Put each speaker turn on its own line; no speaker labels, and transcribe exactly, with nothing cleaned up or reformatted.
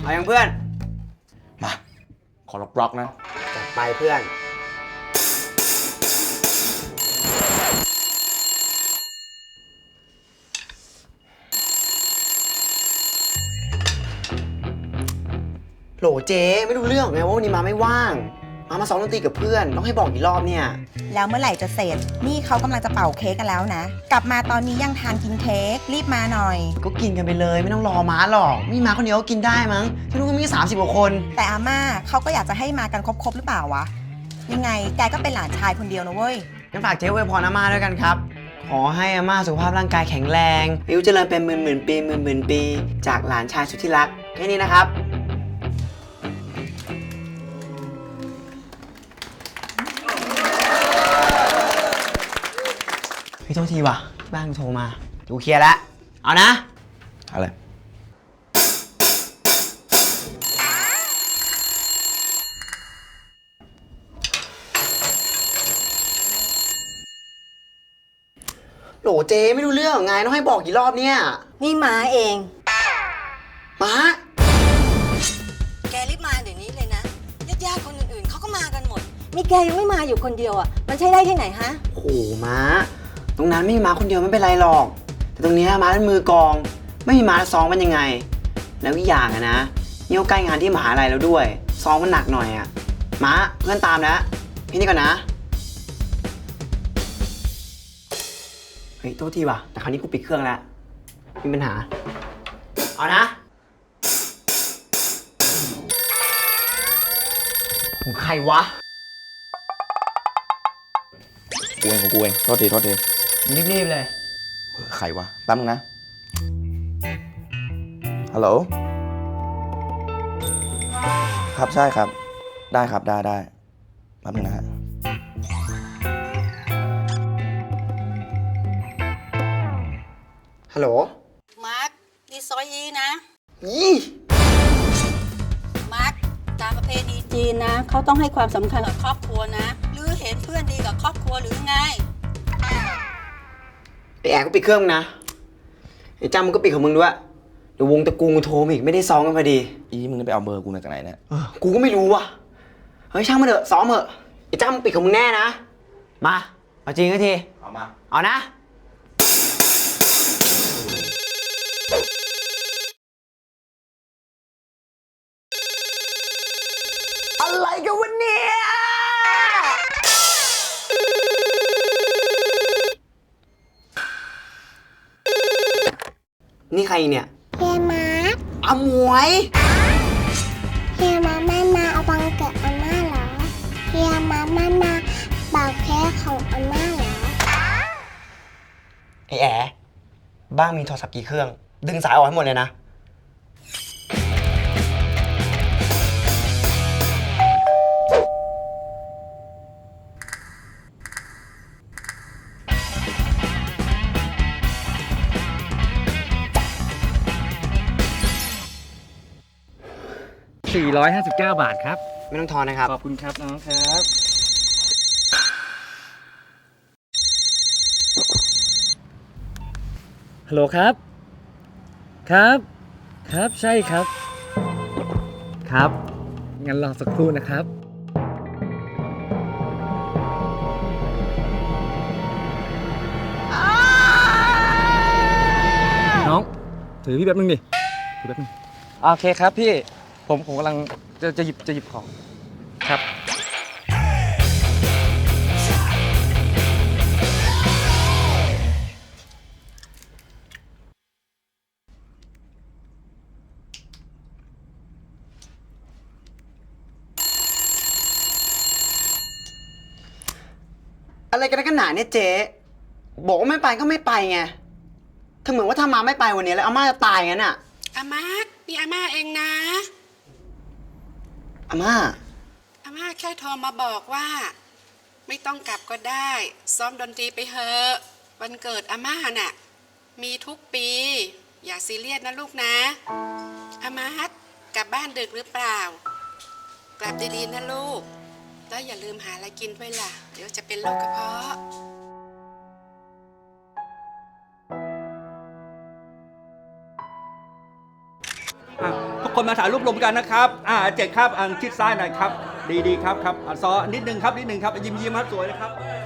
เอาอย่างเพื่อน
มาขอล็อกบล็อกนะ
จัดไปเพื่อนโหลเจ๊ไม่รู้เรื่องไงว่าวันนี้มาไม่ว่างมามาซ้อมดนตรีกับเพื่อนต้องให้บอกกี่รอบเนี่ย
แล้วเมื่อไหร่จะเสร็จนี่เขากำลังจะเป่าเค้กกันแล้วนะกลับมาตอนนี้ยังทานกินเค้กรีบมาหน่อย
ก็กินกันไปเลยไม่ต้องรอม้าหรอกมีม้าคนเดียวก็กินได้มั้งที่นู้นก็มีสามสิบกว่าคน
แต่อาม่าเขาก็อยากจะให้มากันครบๆหรือเปล่าวะยังไงแกก็เป็นหลานชายคนเดียวนะเว้ย
งั้นฝากเจ๊อวยพรอาม่าด้วยกันครับขอให้อาม่าสุขภาพร่างกายแข็งแรงอายุเจริญเป็นหมื่นหมื่นปีหมื่นหมื่นปีจากหลานชายสุดที่รักแค่นี้นะครับพี่โทษทีว่ะบ้านโทรมาดูเคลียร์แล้วเอานะ
อะไร
โหลเจไม่รู้เรื่องไงต้องให้บอกกี่รอบเนี่ย
นี่ม้าเอง
ม้า
แกรีบมาเดี๋ยวนี้เลยนะญาติๆคนอื่นๆเขาก็มากันหมดมีแกยังไม่มาอยู่คนเดียวอ่ะมันใช่ได้ที่ไหนฮะ
โหม้าตรงนั้นไม่มีม้าคนเดียวไม่เป็นไรหรอกแต่ตรงนี้ม้าเป็นมือกองไม่มีม้าซ้อมมันยังไงแล้วอีกอย่างอะนะนี่ก็ใกล้งานที่มหาลัยแล้วด้วยซ้อมมันหนักหน่อยอะม้าเพื่อนตามนะพี่นี่ก่อนนะเฮ้ยโทษทีว่ะแต่คราวนี้กูปิดเครื่องแล้วมีปัญหาเอานะของใครวะ
กูเองของกูเองโทษทีโทษที
รีบๆเลย
ใครวะแป๊บนึงนะฮัลโหลครับใช่ครับได้ครับได้ได้แป๊บนึงนะฮะ
ฮัลโหล
มาร์คนี่ซอยยีนะ
ยี่
มาร์คตามประเพณีจีนนะเขาต้องให้ความสำคัญกับครอบครัวนะหรือเห็นเพื่อนดีกับครอบครัวหรือไง
ไอแอบก็ปิดเครื่องนะไอจ้ามึงก็ปิดของมึงด้วยเดี๋ยววงตะกูกูโทรมาอีกไม่ได้ซ้อมกันพอดี
อีมึงไปเอาเบอร์กูมาจากไหนเนี่ย
เออกูก็ไม่รู้ว่ะเฮ้ยช่างมันเถอะซ้อมเถอะไอจ้ามึงปิดของมึงแน่นะมาเอาจริงก็ที
เอามา
เอานะอะไรกันวันนี้นี่ใครเนี่ย
เฮียมาร์ค
อมวย
เฮียมาไม่มาเอาบังเกิดอาม่าเหรอเฮียมาไม่มาเป่าเค้กของอาม่าเหรอ
ไอ้แอ๋บ้างมีโทรศัพท์กี่เครื่องดึงสายออกให้หมดเลยนะ
สี่ร้อยห้าสิบเก้า บาทครับ
ไม่ต้องทอนนะครับ
ขอบคุณครับน้องครับฮัลโหลครับครับครับใช่ครับครับงั้นรอสักครู่นะครับน้องถือพี่แป๊บนึงดิถือแป๊บนึงโอเคครับพี่ผมผมกำลังจะจะหยิบจะหยิบของครับ
อะไรกันกันหนาเนี่ยเจ๊บอกว่าไม่ไปก็ไม่ไปไงถ้าเหมือนว่าถ้ามาไม่ไปวันนี้แล้วอาม่าจะตายงั้นอ่ะ
อาม่านี่อาม่าเองนะ
อาม่า
อาม่าแค่โทรมาบอกว่าไม่ต้องกลับก็ได้ซ้อมดนตรีไปเถอะวันเกิดอาม่าน่ะมีทุกปีอย่าซีเรียสนะลูกนะอาม่ากลับบ้านดึกหรือเปล่ากลับดีๆนะลูกแล้วอย่าลืมหาอะไรกินด้วยล่ะเดี๋ยวจะเป็นโรคกระเพาะ
อ้าวก็
คนมาถ่ายรูปรวมกันนะครับอ่าเจ็ดครับอ่าชิดซ้ายหน่อยครับดีดีครับครับอ่าซอนิดนึงครับนิดนึงครับยิ้มยิ้มครับสวยนะครับ